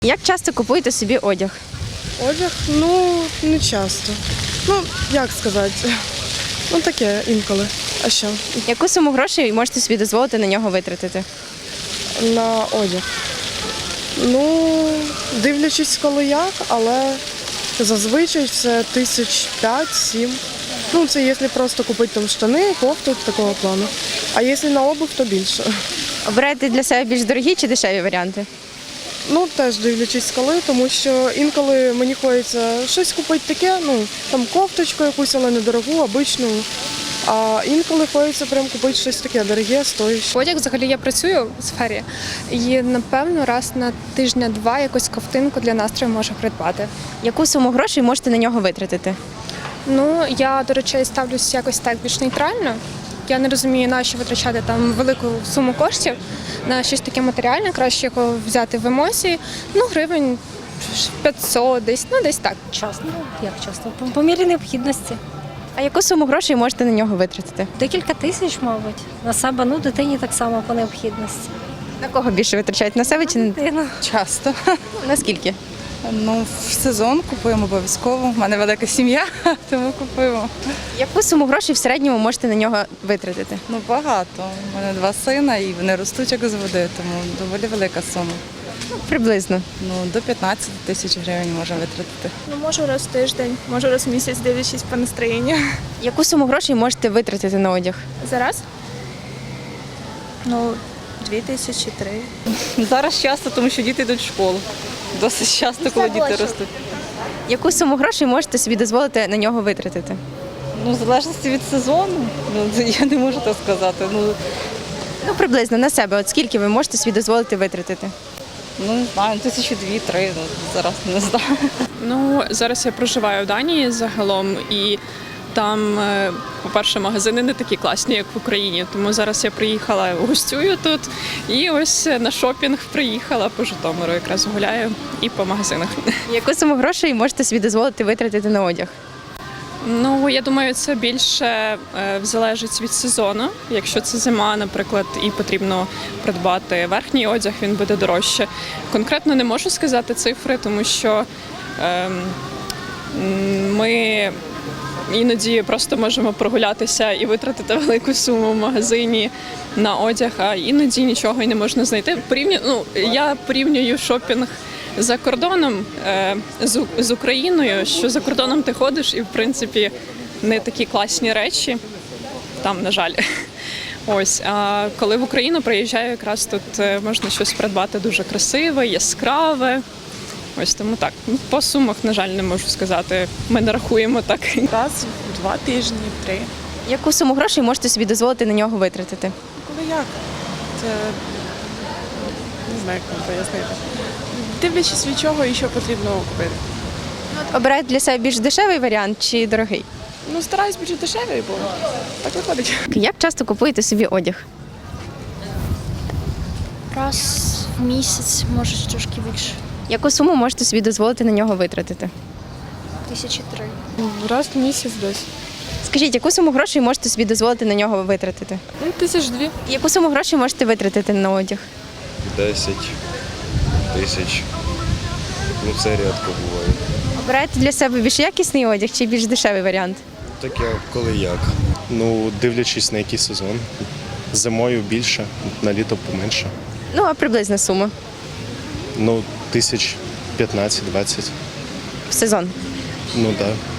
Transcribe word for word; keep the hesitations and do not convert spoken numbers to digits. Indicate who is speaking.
Speaker 1: Як часто купуєте собі одяг?
Speaker 2: Одяг, ну, не часто. Ну, як сказати, ну таке інколи. А що?
Speaker 1: Яку суму грошей можете собі дозволити на нього витратити?
Speaker 2: На одяг. Ну, дивлячись коли як, але зазвичай це тисяч п'ять-сім. Ну, це якщо просто купити там штани, кофту, такого плану. А якщо на обув, то більше.
Speaker 1: Обираєте для себе більш дорогі чи дешеві варіанти?
Speaker 2: Ну, теж дивлячись коли, тому що інколи мені хочеться щось купити таке, ну, там кофточку якусь, але недорогу, обичну. А інколи хочеться прям купити щось таке дороге, стоїще.
Speaker 3: Одяг, взагалі, я працюю в сфері і, напевно, раз на тижня-два якусь ковтинку для настрою можу придбати.
Speaker 1: Яку суму грошей можете на нього витратити?
Speaker 3: Ну, я, до речей, ставлюсь якось так більш нейтрально. Я не розумію, на що витрачати там велику суму коштів на щось таке матеріальне, краще його взяти в емоції. Ну, гривень п'ятсот, десь, ну десь так.
Speaker 4: Часто, як часто? По, по мірі необхідності.
Speaker 1: А яку суму грошей можете на нього витратити?
Speaker 4: Декілька тисяч, мабуть. На себе, ну, дитині так само по необхідності.
Speaker 1: На кого більше витрачають? На себе чи на
Speaker 4: Дитина.
Speaker 5: Часто.
Speaker 1: наскільки?
Speaker 5: Ну, в сезон купуємо обов'язково. У мене велика сім'я, тому купуємо.
Speaker 1: Яку суму грошей в середньому можете на нього витратити?
Speaker 5: Ну, багато. У мене два сина і вони ростуть як з води, тому доволі велика сума.
Speaker 1: Приблизно.
Speaker 5: Ну, до п'ятнадцять тисяч гривень можна витратити.
Speaker 6: Ну, можу раз в тиждень, можу раз в місяць, дивлячись по настроєнню.
Speaker 1: Яку суму грошей можете витратити на одяг?
Speaker 6: Зараз? Ну, дві тисячі, три.
Speaker 5: Зараз часто, тому що діти йдуть в школу. Досить часто, коли діти ростуть.
Speaker 1: Яку суму грошей можете собі дозволити на нього витратити?
Speaker 5: Ну, в залежності від сезону, ну, це я не можу так сказати. Ну,
Speaker 1: Ну, приблизно на себе. От скільки ви можете собі дозволити витратити?
Speaker 5: ну не знаю, тисячі дві-три, ну, зараз не знаю.
Speaker 7: Ну, зараз я проживаю в Данії загалом, і там, е, по-перше, магазини не такі класні, як в Україні. Тому зараз я приїхала, гостюю тут, і ось на шопінг приїхала по Житомиру, якраз гуляю і по магазинах.
Speaker 1: Яку суму грошей можете собі дозволити витратити на одяг?
Speaker 7: Ну, я думаю, це більше е, залежить від сезону. Якщо це зима, наприклад, і потрібно придбати верхній одяг, він буде дорожче. Конкретно не можу сказати цифри, тому що е, ми іноді просто можемо прогулятися і витратити велику суму в магазині на одяг, а іноді нічого й не можна знайти. Порівню, ну, я порівнюю шопінг за кордоном е, з, з Україною, що за кордоном ти ходиш і, в принципі, не такі класні речі, там, на жаль. Ось, а коли в Україну приїжджаю, якраз тут е, можна щось придбати дуже красиве, яскраве. Ось тому так. Ну, по сумах, на жаль, не можу сказати. Ми не рахуємо так.
Speaker 6: Раз в два тижні, три.
Speaker 1: Яку суму грошей можете собі дозволити на нього витратити?
Speaker 6: Коли як? Це не знаю, як вам пояснити. Дивлячись від чого і що потрібно купити.
Speaker 1: Обираєте для себе більш дешевий варіант чи дорогий?
Speaker 6: Ну, стараюсь бути дешевою, бо так виходить.
Speaker 1: Як часто купуєте собі одяг?
Speaker 8: Раз в місяць, може трошки більше.
Speaker 1: Яку суму можете собі дозволити на нього витратити?
Speaker 8: Тисячі три.
Speaker 2: Раз в місяць десь.
Speaker 1: Скажіть, яку суму грошей можете собі дозволити на нього витратити?
Speaker 2: Ну, тисяч дві.
Speaker 1: Яку суму грошей можете витратити на одяг?
Speaker 9: десять тисяч. Ну це рідко буває.
Speaker 1: Обираєте для себе більш якісний одяг чи більш дешевий варіант?
Speaker 9: Таке коли як.
Speaker 10: Ну, дивлячись на який сезон. Зимою більше, на літо поменше.
Speaker 1: Ну, а приблизна сума
Speaker 10: Ну, тисяч п'ятнадцять-двадцять.
Speaker 1: в сезон.
Speaker 10: Ну так. Да.